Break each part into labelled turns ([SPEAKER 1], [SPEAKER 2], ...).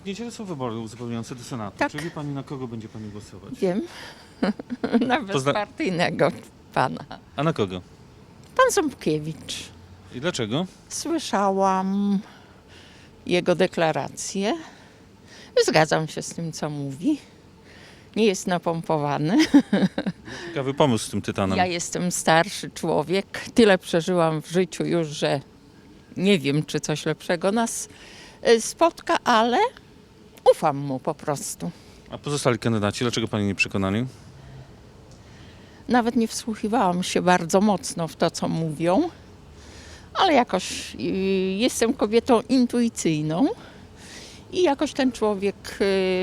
[SPEAKER 1] W niedzielę są wybory uzupełniające do Senatu.
[SPEAKER 2] Tak.
[SPEAKER 1] Czy wie pani, na kogo będzie pani głosować?
[SPEAKER 2] Wiem. Na bezpartyjnego pana.
[SPEAKER 1] A na kogo?
[SPEAKER 2] Pan Ząbkiewicz.
[SPEAKER 1] I dlaczego?
[SPEAKER 2] Słyszałam jego deklarację. Zgadzam się z tym, co mówi. Nie jest napompowany.
[SPEAKER 1] Ciekawy pomysł z tym tytanem.
[SPEAKER 2] Ja jestem starszy człowiek. Tyle przeżyłam w życiu już, że nie wiem, czy coś lepszego nas spotka, ale ufam mu po prostu.
[SPEAKER 1] A pozostali kandydaci, dlaczego pani nie przekonali?
[SPEAKER 2] Nawet nie wsłuchiwałam się bardzo mocno w to, co mówią, ale jakoś jestem kobietą intuicyjną i jakoś ten człowiek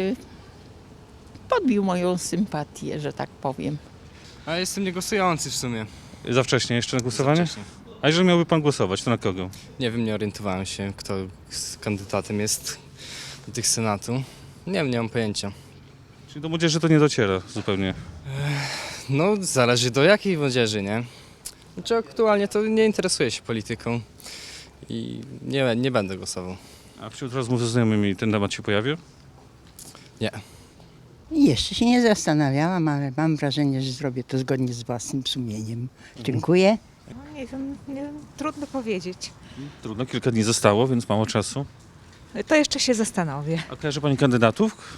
[SPEAKER 2] podbił moją sympatię, że tak powiem.
[SPEAKER 3] A jestem niegłosujący w sumie.
[SPEAKER 1] Za wcześnie jeszcze na głosowanie?
[SPEAKER 3] Wcześniej.
[SPEAKER 1] A jeżeli miałby pan głosować, to na kogo?
[SPEAKER 3] Nie wiem, nie orientowałem się, kto z kandydatem jest do tych Senatu. Nie wiem, nie mam pojęcia.
[SPEAKER 1] Czyli do młodzieży to nie dociera zupełnie.
[SPEAKER 3] No, zależy do jakiej młodzieży, nie? Znaczy aktualnie to nie interesuję się polityką i nie będę głosował.
[SPEAKER 1] A wśród rozmów ze znajomymi ten temat się pojawia?
[SPEAKER 3] Nie.
[SPEAKER 4] Jeszcze się nie zastanawiałam, ale mam wrażenie, że zrobię to zgodnie z własnym sumieniem. Dziękuję.
[SPEAKER 5] No nie wiem, trudno powiedzieć.
[SPEAKER 1] Trudno, kilka dni zostało, więc mało czasu.
[SPEAKER 5] To jeszcze się zastanowię.
[SPEAKER 1] A kojarzy pani kandydatów?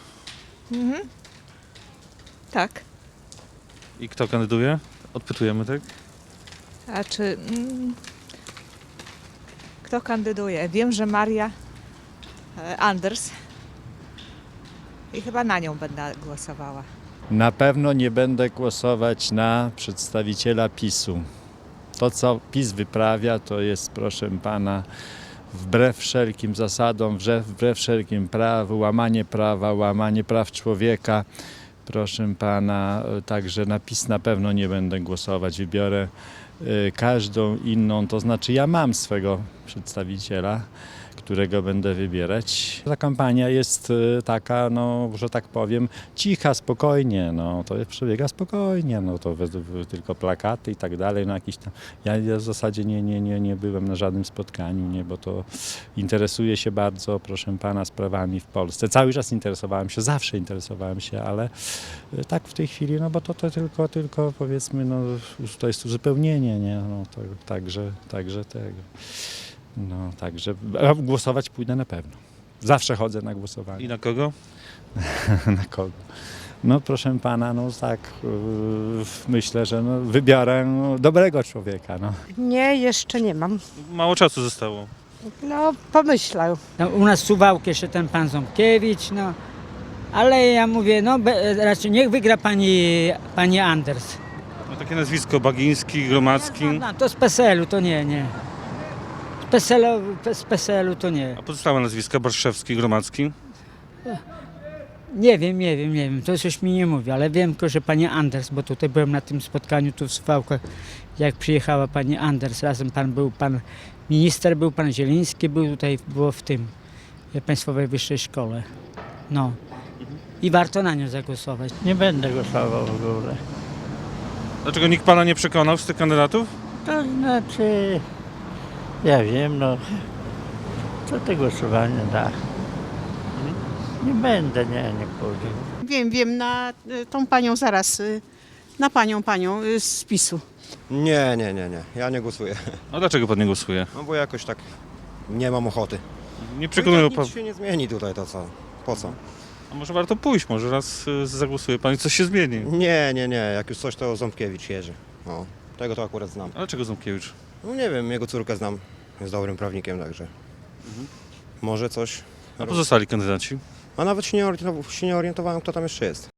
[SPEAKER 5] Tak.
[SPEAKER 1] I kto kandyduje? Odpytujemy, tak?
[SPEAKER 5] A czy... kto kandyduje? Wiem, że Maria Anders. I chyba na nią będę głosowała.
[SPEAKER 6] Na pewno nie będę głosować na przedstawiciela PiS-u. To, co PiS wyprawia, to jest, proszę pana, wbrew wszelkim zasadom, wbrew wszelkim prawu, łamanie prawa, łamanie praw człowieka. Proszę pana, także na PiS na pewno nie będę głosować. Wybiorę każdą inną, to znaczy ja mam swego przedstawiciela, którego będę wybierać. Ta kampania jest taka, no, że tak powiem, cicha, spokojnie, no, to przebiega spokojnie, no, to tylko plakaty i tak dalej, no, jakiś tam. Ja w zasadzie nie byłem na żadnym spotkaniu, nie, bo to interesuję się bardzo, proszę pana, sprawami w Polsce. Cały czas interesowałem się, zawsze interesowałem się, ale tak w tej chwili, no, bo to tylko powiedzmy, no, to jest uzupełnienie, nie, no, to, także tego. No, także głosować pójdę na pewno. Zawsze chodzę na głosowanie.
[SPEAKER 1] I na kogo?
[SPEAKER 6] Na kogo? No proszę pana, no tak, myślę, że no, wybiorę dobrego człowieka. No.
[SPEAKER 7] Nie, jeszcze nie mam.
[SPEAKER 1] Mało czasu zostało.
[SPEAKER 7] No, pomyślał.
[SPEAKER 8] No, u nas w Suwałki jeszcze ten pan Ząbkiewicz, no. Ale ja mówię, no raczej niech wygra pani Anders.
[SPEAKER 1] No, takie nazwisko, Bagiński, Gromacki.
[SPEAKER 8] No, to z PSL-u to nie. Z PSL-u to nie.
[SPEAKER 1] A pozostałe nazwiska, Barszewski, Gromacki.
[SPEAKER 8] Nie wiem, to coś mi nie mówi, ale wiem tylko, że pani Anders, bo tutaj byłem na tym spotkaniu tu w Suwałkach, jak przyjechała pani Anders, razem pan minister, był pan Zieliński, było w tym Państwowej Wyższej Szkole. No. I warto na nią zagłosować.
[SPEAKER 9] Nie będę głosował w ogóle.
[SPEAKER 1] Dlaczego nikt pana nie przekonał z tych kandydatów?
[SPEAKER 9] To znaczy, ja wiem, no, co te głosowanie da. Nie będę, nie pójdę.
[SPEAKER 4] Wiem, na tą panią zaraz, na panią z PiS-u.
[SPEAKER 10] Nie. Ja nie głosuję.
[SPEAKER 1] A dlaczego pan nie głosuje?
[SPEAKER 10] No bo jakoś tak nie mam ochoty.
[SPEAKER 1] Nie przekonują pan.
[SPEAKER 10] Nic się nie zmieni tutaj, to co? Po co?
[SPEAKER 1] A może warto pójść, może raz zagłosuje pan i coś się zmieni.
[SPEAKER 10] Nie. Jak już coś, to Ząbkiewicz Jerzy. O, tego to akurat znam.
[SPEAKER 1] A dlaczego Ząbkiewicz?
[SPEAKER 10] No nie wiem, jego córkę znam. Jest dobrym prawnikiem, także. Może coś.
[SPEAKER 1] A pozostali kandydaci?
[SPEAKER 10] A nawet się nie orientowałem, kto tam jeszcze jest.